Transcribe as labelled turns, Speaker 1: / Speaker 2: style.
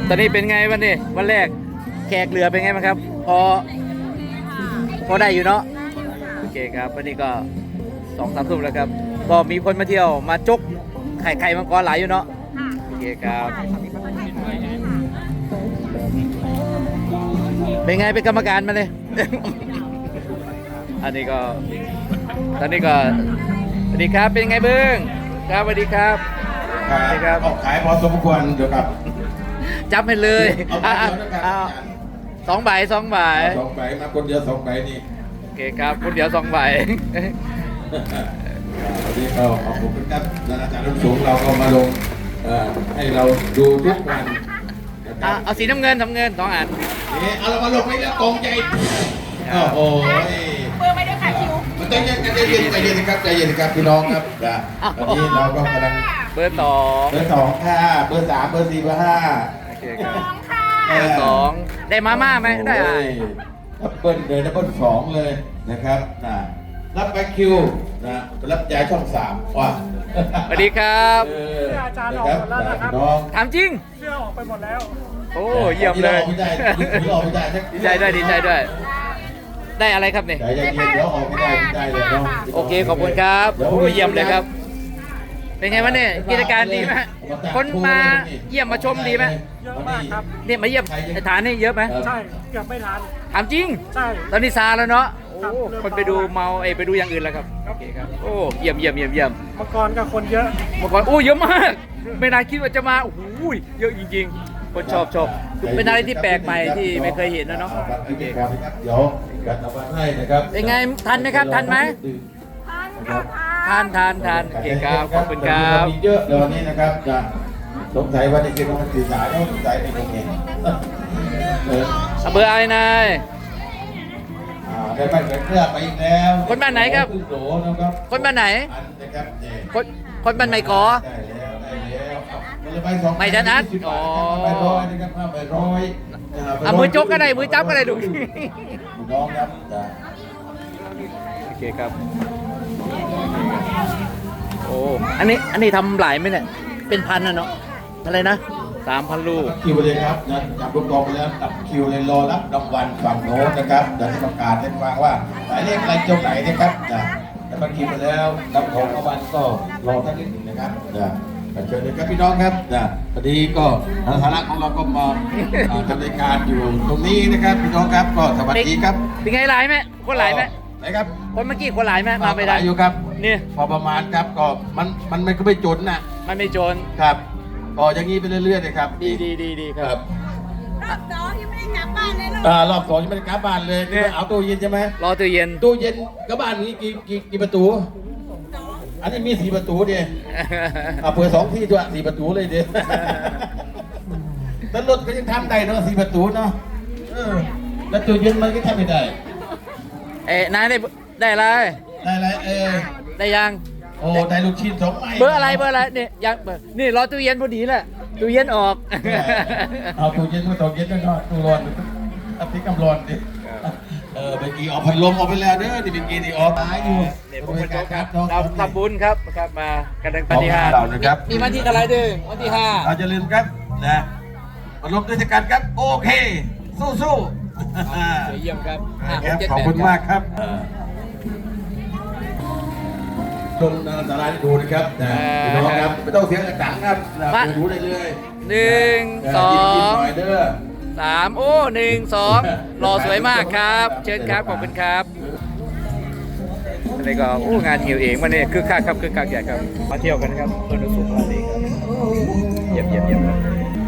Speaker 1: ตอนนี้เป็นไงวันนี้วันแรกแขกเรือเป็นไงบ้างครับ พอได้อยู่เนาะโอเคครับวันนี้ก็2-3 ทุ่มแล้วครับก็มีคนมาเที่ยวมาจกไข่มังกรหลายอยู่เนาะโอเคครับเป็นไงเป็นกรรมการมาเลย อันนี้ก็ตอนนี้ก็สวัสดีครับเป็นไงเบิ้งครับสวัสดีครับสวัสดีครับ
Speaker 2: ออกขายพอสมควรเดี๋ยวครับ
Speaker 1: จับให้เลย
Speaker 2: เอา
Speaker 1: 2 ใบ 2 ใบ
Speaker 2: 2 ใบมาคนเดียว2 ใบนี่
Speaker 1: โอเคครับคนเดียว2 ใบ
Speaker 2: วันนี้ก็ขอบคุณครับอาจารย์รุ่นสูงเราก็มาลงให้เราดูทุกวันนะครับ
Speaker 1: เอาสีน้ำเงิน2 อัน
Speaker 2: นี่เอาเรามาลงให้แล้วกองใจโอ้โห
Speaker 3: เบอร์ไม่ได้ค่ะคิว
Speaker 2: มันต้องใจเย็นนะครับใจเย็นครับพี่น้องครับวันนี้เราก็กำลัง
Speaker 1: เบอร์ 2
Speaker 2: เบอร์ 2ค่ะเบอร์ 3เบอร์ 4เบอร์ 5
Speaker 1: โอเคครับ
Speaker 3: ค่ะ
Speaker 1: เบอร์ 2ได้มาม่าไหมได้อะไร
Speaker 2: ดับเบิ้ลเลยดับเบิ้ล2เลยนะครับรับไปคิวรับยายช่อง3ว่ะ
Speaker 1: สวัสดีครับ
Speaker 3: อาจารย์ออกหมดแล้วนะครับ
Speaker 2: น้อง
Speaker 1: ถามจริง
Speaker 3: เสื้อออกไปหมดแล้ว
Speaker 1: โอ้เยี่ยมเลย
Speaker 2: ไม่ได้ออกไม่ได้
Speaker 1: ดีใจด้วยดีใจด้วย ได้อะไรครับเนี่ย
Speaker 2: ใจเย็นๆเดี๋ยวออกไม่ได้เลยเนาะ
Speaker 1: โอเคขอบคุณครับโอ้เยี่ยมเลยครับ เป็นไงวะเนี่ยกิจการดีไหมคนมาเยี่ยมมาชมดีไหม
Speaker 3: เยอะมากครับ
Speaker 1: เนี่ยมาเยี่ยมฐานนี่เยอะไหม
Speaker 3: ใช่ เกือบไม่ทัน
Speaker 1: ถามจริง
Speaker 3: ใช่
Speaker 1: ตอนนี้ซาแล้วเนาะ
Speaker 3: ครับ
Speaker 1: โอ้คนไปดูเมาไปดูอย่างอื่นแล้วครับโอเคครับโอ้เยี่ยมเยี่ยมเยี่ยมเยี่ยม
Speaker 3: เมื่อก่อนก็คนเยอะ
Speaker 1: เมื่อก่อนโอ้เยอะมากไม่น่าคิดว่าจะมาโอ้โหเยอะจริงๆคนชอบเป็นอะไรที่แปลกใหม่ที่ไม่เคยเห็นนะเนาะ
Speaker 2: โอเคครับเดี๋ยวจัดเอาไว้ให้นะครับ
Speaker 1: เป็นไงทันไหมครับทันไหมทันโอเคครับขอบคุณครับ
Speaker 2: มีเยอะเดี๋ยวนี้นะครับจะสงสัยว่าจะกินมันสื่อสารต้องสงสัยในตรงนี้
Speaker 1: อำเภอไอ้นาย
Speaker 2: ได้บ้านเกิดเพื่อไปอีกแล้ว
Speaker 1: คนบ้านไหนครับ
Speaker 2: ขึ้นโหลนะครับ
Speaker 1: คนบ้านไหน
Speaker 2: อันนะครับเนี่ย
Speaker 1: คนบ้านไม่กอ
Speaker 2: ได้แล้วคนละใบ2
Speaker 1: ไม่ทันอัด
Speaker 2: 20
Speaker 1: อ๋อ
Speaker 2: ใบร้อยนะครับ5 ใบร้อย
Speaker 1: เอามือจกก็ได้มือจับก็ได้ลูก
Speaker 2: น้องครับจ้ะ
Speaker 1: โอเคครับโอ้อันนี้ทำหลายไหมเนี่ยเป็นพันนะเนาะอะไรนะ3,000 ลูก
Speaker 2: คิวเลยครับนะจับลูกกองไปแล้วตับคิวเลยรอรับรางวัลฝั่งโน้นนะครับเดี๋ยวจะประกาศให้ฟังว่าหมายเลขอะไรเจ้าไหนนะครับนะแล้วก็คิวไปแล้วรับของรางวัลก็รอสักนิดหนึ่งนะครับนะเชิญเลยครับพี่น้องครับนะพอดีก็ทางฐานะของเราก็มาทำรายการอยู่ตรงนี้นะครับพี่น้องครับก็สวัสดีครับ
Speaker 1: เป็นไงหลายไหมคนหลายไหม
Speaker 2: ไหนครับ
Speaker 1: คนเมื่อกี้คนหลายไหมมาไม่ได้
Speaker 2: อยู่ครับ
Speaker 1: นี่
Speaker 2: พอประมาณครับก็มันก็ไม่จนนะ
Speaker 1: มันไม่โจร
Speaker 2: ครับก็อย่างนี้ไปเรื่อยๆเลยครับ
Speaker 1: ดีค
Speaker 2: ค
Speaker 1: รั
Speaker 2: รั
Speaker 1: บบ
Speaker 3: รอบสองยังไม่ได้กลับบ้านเลยลูก
Speaker 2: รอบ2ยังไม่ได้กลับบ้านเลยนี่เอาตู้เย็นใช่ไหม
Speaker 1: รอตู้เย็น
Speaker 2: ตู้เย็นกับบ้านนี้กี่ประตู อันนี้มี4 ประตูเดียเปิด2 ที่ด้วย4 ประตูเลยเดียแต่รถก็ยังทำได้เนาะ4 ประตูเนาะแล้วตู้เย็นมันก็ทำไม่ได้
Speaker 1: นายได้อะไร
Speaker 2: ได้อะไร
Speaker 1: ได้ยัง
Speaker 2: โอ้ได้ลูกชิ้น2 ไม้
Speaker 1: เบอร์อะไรนี่ยังเบอร์นี่รอตู้เย็นพอดีแหละตู้เย็นออก
Speaker 2: เอาตู้เย็นมาตู้เย็นด้วยเนาะตู้ร้อนเอาพริกกำร้อนดิเมื่อกี้ออกพัดลมออกไปแล้วเด้อที่เมื่อกี้นี่ออกตายอยู่
Speaker 1: เนี่ยผมเป็นโจ๊กครับเราทำบุญครับมากันในปฏิหาร
Speaker 2: เรานะครับ
Speaker 1: มีวันที่อะไรดึงวันที่
Speaker 2: เราจะลืมครับนะพัดลมด้วยกันครับโอเคสู้
Speaker 1: 5เยี่ยมครับ
Speaker 2: ครับขอบคุณมากครับชมสาราที่ดูนะครับพี่น้องครับไม่ต้องเสียงดังครับดูได้เลย
Speaker 1: 1 2
Speaker 2: หน่อยเด้อ
Speaker 1: 3โอ้1 2หล่อสวยมากครับ เชิญครับขอบคุณครับอะไรก็โอ้งานหิวเองวันนี้คึกคักครับคึกคักใหญ่ครับมาเที่ยวกันครับเพื่อนสุขภาพดีครับเยี่ยมครับ